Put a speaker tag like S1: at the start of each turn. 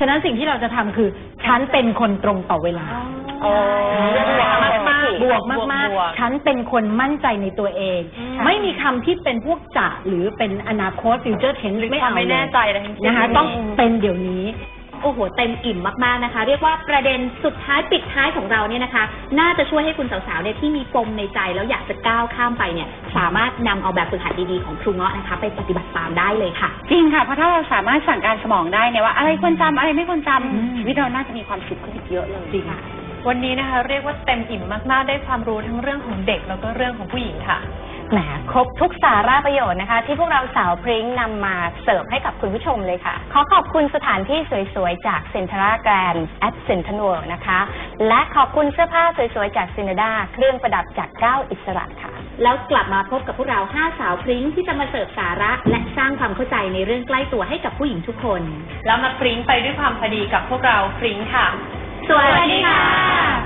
S1: ฉะนั้นสิ่งที่เราจะทำคือฉันเป็นคนตรงต่อเวลาบวกมากๆฉันเป็นคนมั่นใจในตัวเองไม่มีคำที่เป็นพวกจะหรือเป็นอนาคตฟิวเจอร์เทนไม่เอาไม่แน่ใจเลยนะคะต้องเป็นเดี๋ยวนี้
S2: โอ้โหเต็มอิ่มมากๆนะคะเรียกว่าประเด็นสุดท้ายปิดท้ายของเราเนี่ยนะคะน่าจะช่วยให้คุณสาวๆเนี่ยที่มีปมในใจแล้วอยากจะก้าวข้ามไปเนี่ยสามารถนำเอาแบบฝึกหัดดีๆของครูเงาะนะคะไปปฏิบัติตามได้เลยค่ะ
S3: จริงค่ะเพราะถ้าเราสามารถสั่งการสมองได้เนี่ยว่าอะไรควรจำอะไรไม่ควรจำชีวิตเราน่าจะมีความสุขขึ้นอีกเยอะเลย
S2: จริงค่ะ
S4: วันนี้นะคะเรียกว่าเต็มอิ่มมากๆได้ความรู้ทั้งเรื่องของเด็กแล้วก็เรื่องของผู้หญิงค่ะ
S5: แหมครบทุกสาระประโยชน์นะคะที่พวกเราสาวพริ้งนำมาเสิร์ฟให้กับคุณผู้ชมเลยค่ะขอขอบคุณสถานที่สวยๆจากเซ็นทรัลแกรนด์แอดเซ็นทรัลเวิลด์นะคะและขอบคุณเสื้อผ้าสวยๆจากซินาดาเครื่องประดับจากก้าวอิสระค่ะ
S2: แล้วกลับมาพบกับพวกเรา5สาวพริ้งที่จะมาเสิร์ฟสาระและสร้างความเข้าใจในเรื่องใกล้ตัวให้กับผู้หญิงทุกคน
S4: แล้วมาพริ้งไปด้วยความพอดีกับพวกเราพริ้งค่ะ
S2: สวัสดีค่ะ